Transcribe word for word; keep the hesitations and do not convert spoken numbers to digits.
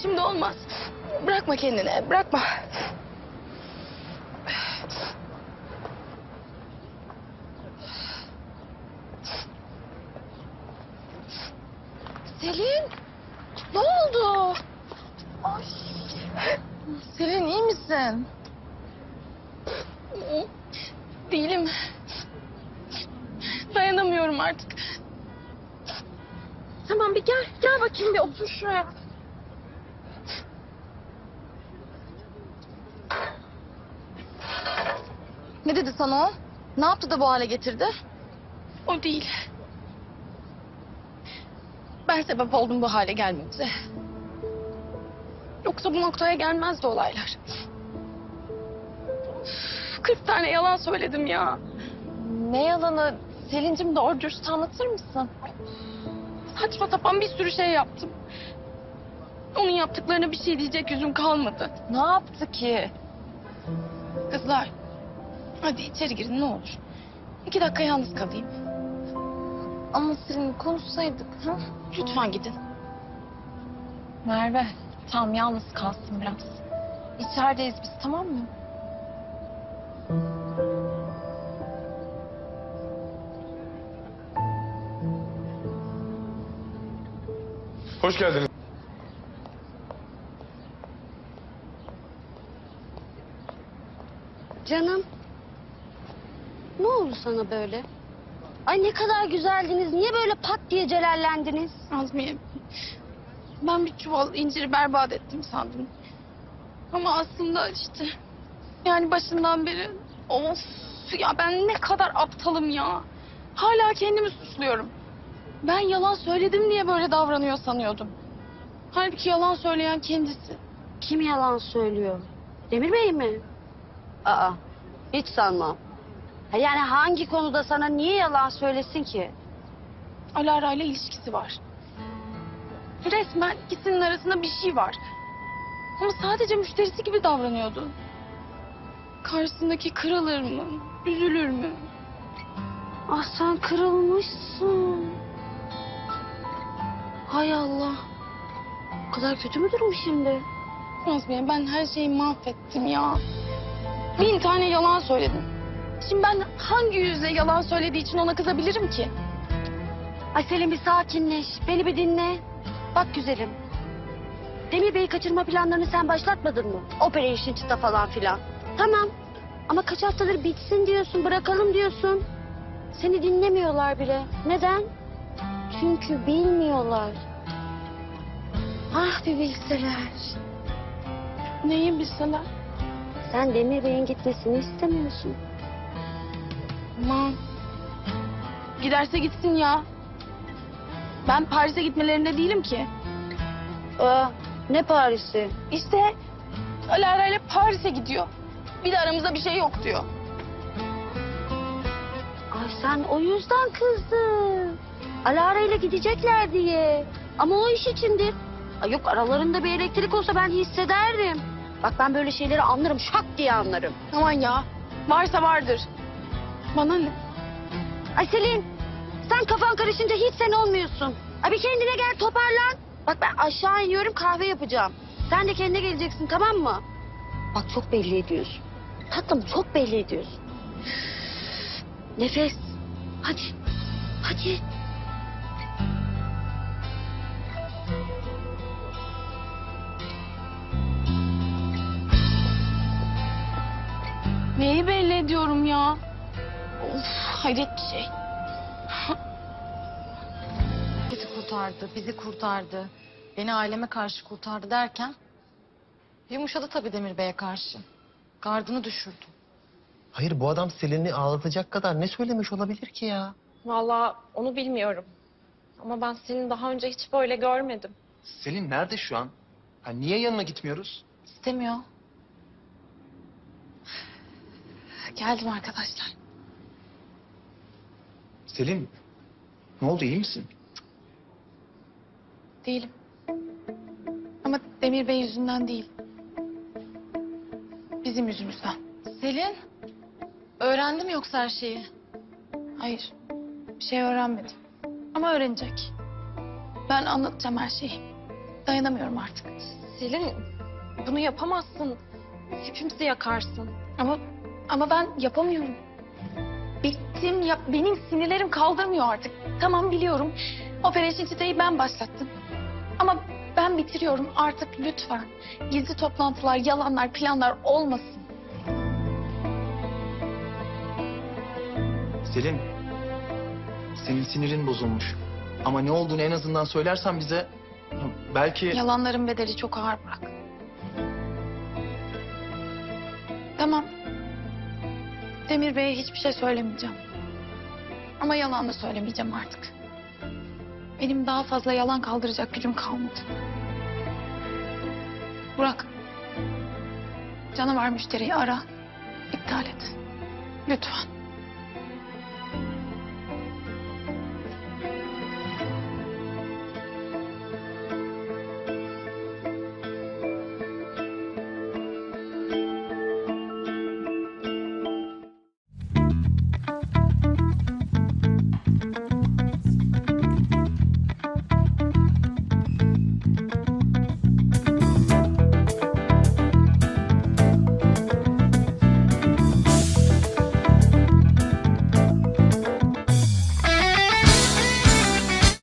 Şimdi olmaz. Bırakma kendini, bırakma. Selin, ne oldu? Ay. Selin, iyi misin? Değilim. Dayanamıyorum artık. Tamam, bir gel, gel bakayım bir otur şuraya. Ne dedi sana o? Ne yaptı da bu hale getirdi? O değil. Ben sebep oldum bu hale gelmemize. Yoksa bu noktaya gelmezdi olaylar. Kırk tane yalan söyledim ya. Ne yalanı? Selin'cim, doğru dürüst anlatır mısın? Saçma sapan bir sürü şey yaptım. Onun yaptıklarına bir şey diyecek yüzüm kalmadı. Ne yaptı ki? Kızlar, hadi içeri girin ne olur. İki dakika yalnız kalayım. Ama Selin, konuşsaydık. Ha? Lütfen gidin. Merve, tamam, yalnız kalsın biraz. İçerideyiz biz, tamam mı? Hoş geldiniz. Canım. Ne oldu sana böyle? Ay ne kadar güzeldiniz. Niye böyle pat diye celallendiniz? Azmiye, ben bir çuval inciri berbat ettim sandım. Ama aslında işte, yani başından beri, of ya, ben ne kadar aptalım ya. Hala kendimi suçluyorum. Ben yalan söyledim diye böyle davranıyor sanıyordum. Halbuki yalan söyleyen kendisi. Kim yalan söylüyor? Demir Bey mi? Aa, hiç sanmam. Ha, yani hangi konuda sana niye yalan söylesin ki? Alara ile ilişkisi var. Resmen ikisinin arasında bir şey var. Ama sadece müşterisi gibi davranıyordu. Karşısındaki kırılır mı, üzülür mü? Ah, sen kırılmışsın. Hay Allah. O kadar kötü mü durum şimdi? Azmiye, ben her şeyi mahvettim ya. Bin tane yalan söyledim. Şimdi ben hangi yüzle yalan söylediği için ona kızabilirim ki? Ay Selim, bir sakinleş. Beni bir dinle. Bak güzelim. Demir Bey'i kaçırma planlarını sen başlatmadın mı? Operation çıta falan filan. Tamam. Ama kaç haftadır bitsin diyorsun, bırakalım diyorsun. Seni dinlemiyorlar bile. Neden? Çünkü bilmiyorlar. Ah, bir bilseler. Neyi bilseler? Sen Demir Bey'in gitmesini istemiyorsun. Aman. Giderse gitsin ya. Ben Paris'e gitmelerinde değilim ki. Aa, ne Paris'i? İşte Alara ile Paris'e gidiyor. Bir de aramızda bir şey yok diyor. Ay sen o yüzden kızdın. Alara ile gidecekler diye. Ama o iş içindir. Ay yok, aralarında bir elektrik olsa ben hissederdim. Bak ben böyle şeyleri anlarım, şak diye anlarım. Aman ya. Varsa vardır. Bana ne? Ay Selin, sen kafan karışınca hiç sen olmuyorsun. Ay bir kendine gel, toparlan. Bak ben aşağı iniyorum, kahve yapacağım. Sen de kendine geleceksin, tamam mı? Bak çok belli ediyorsun. Tatlım, çok belli ediyorsun. Nefes. Hadi. Hadi. Neyi belli ediyorum ya? Of, hayret bir şey. Bizi kurtardı, bizi kurtardı. Beni aileme karşı kurtardı derken... ...yumuşadı tabii Demir Bey'e karşı. Gardını düşürdü. Hayır, bu adam Selin'i ağlatacak kadar ne söylemiş olabilir ki ya? Vallahi onu bilmiyorum. Ama ben seni daha önce hiç böyle görmedim. Selin nerede şu an? Ha, niye yanına gitmiyoruz? İstemiyor. Geldim arkadaşlar. Selin, ne oldu, iyi misin? Değilim. Ama Demir Bey yüzünden değil. Bizim yüzümüzden. Selin, öğrendi mi yoksa her şeyi? Hayır. Bir şey öğrenmedim. Ama öğrenecek. Ben anlatacağım her şeyi. Dayanamıyorum artık. Selin, bunu yapamazsın. Hepimizi yakarsın. Ama ama ben yapamıyorum. Bittim ya, benim sinirlerim kaldırmıyor artık. Tamam biliyorum. Operasyon Çite'yi ben başlattım. Ama ben bitiriyorum artık lütfen. Gizli toplantılar, yalanlar, planlar olmasın. Selin, senin sinirin bozulmuş. Ama ne olduğunu en azından söylersen bize belki... Yalanların bedeli çok ağır Burak. Tamam. Demir Bey'e hiçbir şey söylemeyeceğim. Ama yalan da söylemeyeceğim artık. Benim daha fazla yalan kaldıracak gücüm kalmadı. Burak. Canavar müşteriyi ara. İptal et. Lütfen.